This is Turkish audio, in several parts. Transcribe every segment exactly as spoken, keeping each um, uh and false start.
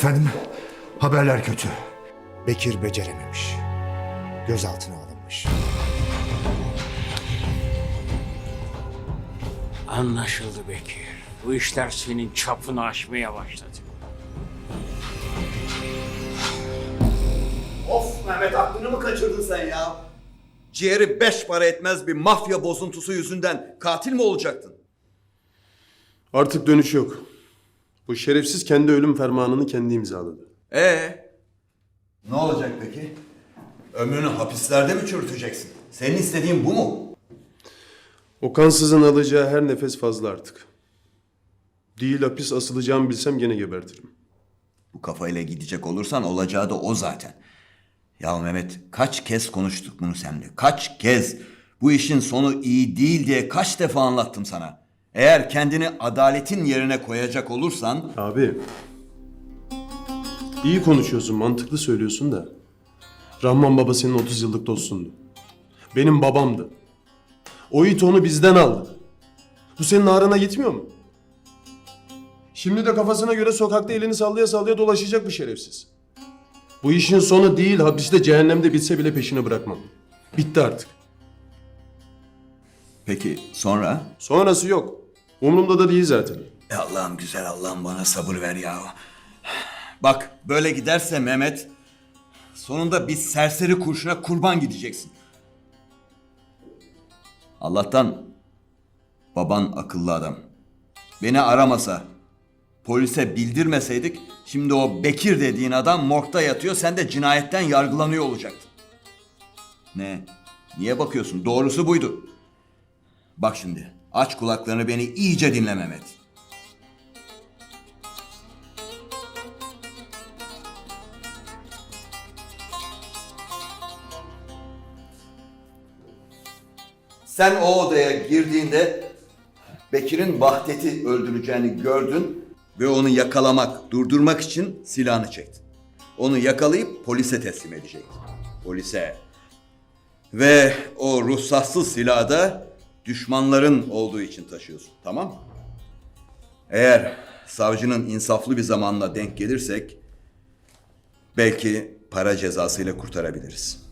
Efendim, haberler kötü. Bekir becerememiş. Gözaltına alınmış. Anlaşıldı Bekir. Bu işler senin çapını aşmaya başladı. Of Mehmet, aklını mı kaçırdın sen ya? Ciğeri beş para etmez bir mafya bozuntusu yüzünden katil mi olacaktın? Artık dönüş yok. Bu şerefsiz kendi ölüm fermanını kendi imzaladı. Ee, ne olacak peki? Ömrünü hapislerde mi çürüteceksin? Senin istediğin bu mu? O kansızın alacağı her nefes fazla artık. Değil hapis asılacağımı bilsem gene gebertirim. Bu kafayla gidecek olursan olacağı da o zaten. Ya Mehmet, kaç kez konuştuk bunu seninle? Kaç kez? Bu işin sonu iyi değil diye kaç defa anlattım sana. Eğer kendini adaletin yerine koyacak olursan... Abi, iyi konuşuyorsun, mantıklı söylüyorsun da. Rahman baba senin otuz yıllık dostundu. Benim babamdı. O it onu bizden aldı. Bu senin ağrına gitmiyor mu? Şimdi de kafasına göre sokakta elini sallaya sallaya dolaşacak bu şerefsiz. Bu işin sonu değil, hapiste cehennemde bitse bile peşini bırakmam. Bitti artık. Peki sonra? Sonrası yok. Umurumda da değil zaten. E Allah'ım, güzel Allah'ım, bana sabır ver ya. Bak, böyle giderse Mehmet, sonunda bir serseri kurşuna kurban gideceksin. Allah'tan baban akıllı adam. Beni aramasa, polise bildirmeseydik, şimdi o Bekir dediğin adam morgda yatıyor, sen de cinayetten yargılanıyor olacaktın. Ne? Niye bakıyorsun? Doğrusu buydu. Bak şimdi, aç kulaklarını, beni iyice dinle Mehmet. Sen o odaya girdiğinde Bekir'in Vahdet'i öldüreceğini gördün ve onu yakalamak, durdurmak için silahını çektin. Onu yakalayıp polise teslim edecektin. Polise. Ve o ruhsatsız silahı da düşmanların olduğu için taşıyorsun, tamam mı? Eğer savcının insaflı bir zamanla denk gelirsek belki para cezasıyla kurtarabiliriz.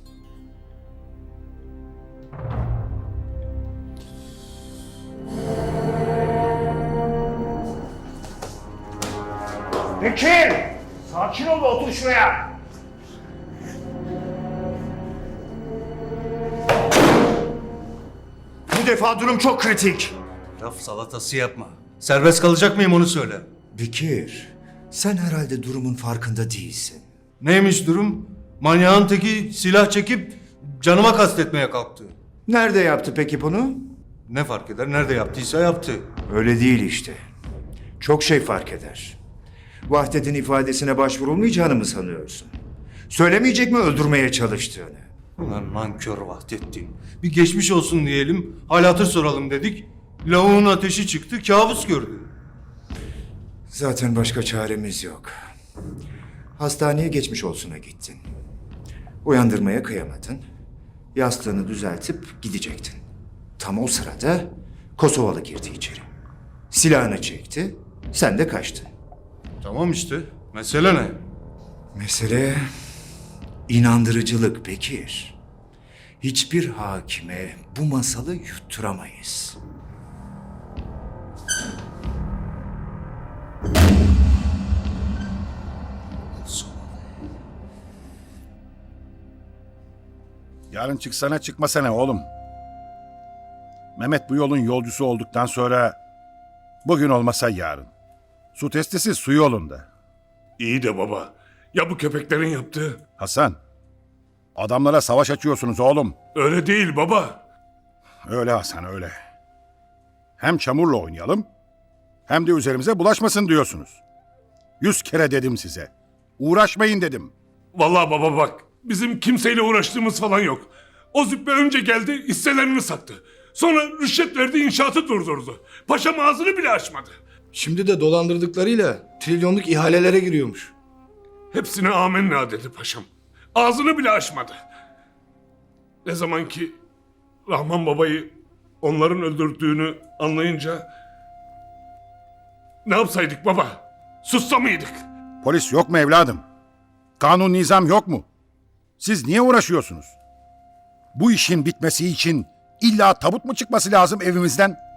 Bekir! Sakin ol ve otur şuraya. Bu defa durum çok kritik. Laf salatası yapma. Serbest kalacak mıyım onu söyle. Bekir, sen herhalde durumun farkında değilsin. Neymiş durum? Manyağın teki silah çekip canıma kastetmeye kalktı. Nerede yaptı peki bunu? Ne fark eder? Nerede yaptıysa yaptı. Öyle değil işte. Çok şey fark eder. Vahdet'in ifadesine başvurulmayacağını mı sanıyorsun? Söylemeyecek mi öldürmeye çalıştığını? Ulan nankör Vahdettin. Bir geçmiş olsun diyelim, hal hatır soralım dedik. Lavuğun ateşi çıktı, kabus gördü. Zaten başka çaremiz yok. Hastaneye geçmiş olsuna gittin. Uyandırmaya kıyamadın. Yastığını düzeltip gidecektin. Tam o sırada Kosovalı girdi içeri. Silahını çekti, sen de kaçtın. Tamam işte. Mesele ne? Mesele inandırıcılık Bekir. Hiçbir hakime bu masalı yutturamayız. Yarın çıksana çıkmasana oğlum. Mehmet bu yolun yolcusu olduktan sonra bugün olmasa yarın. Su testisi su yolunda. İyi de baba, ya bu köpeklerin yaptığı? Hasan, adamlara savaş açıyorsunuz oğlum. Öyle değil baba. Öyle Hasan, öyle. Hem çamurla oynayalım, hem de üzerimize bulaşmasın diyorsunuz. Yüz kere dedim size. Uğraşmayın dedim. Vallahi baba bak, bizim kimseyle uğraştığımız falan yok. O züppe önce geldi, hisselerini sattı. Sonra rüşvet verdi, inşaatı durdurdu. Paşam ağzını bile açmadı. Şimdi de dolandırdıklarıyla trilyonluk ihalelere giriyormuş. Hepsine amenna dedi paşam. Ağzını bile açmadı. Ne zaman ki Rahman babayı onların öldürdüğünü anlayınca... Ne yapsaydık baba? Sussa mıydık? Polis yok mu evladım? Kanun nizam yok mu? Siz niye uğraşıyorsunuz? Bu işin bitmesi için illa tabut mu çıkması lazım evimizden?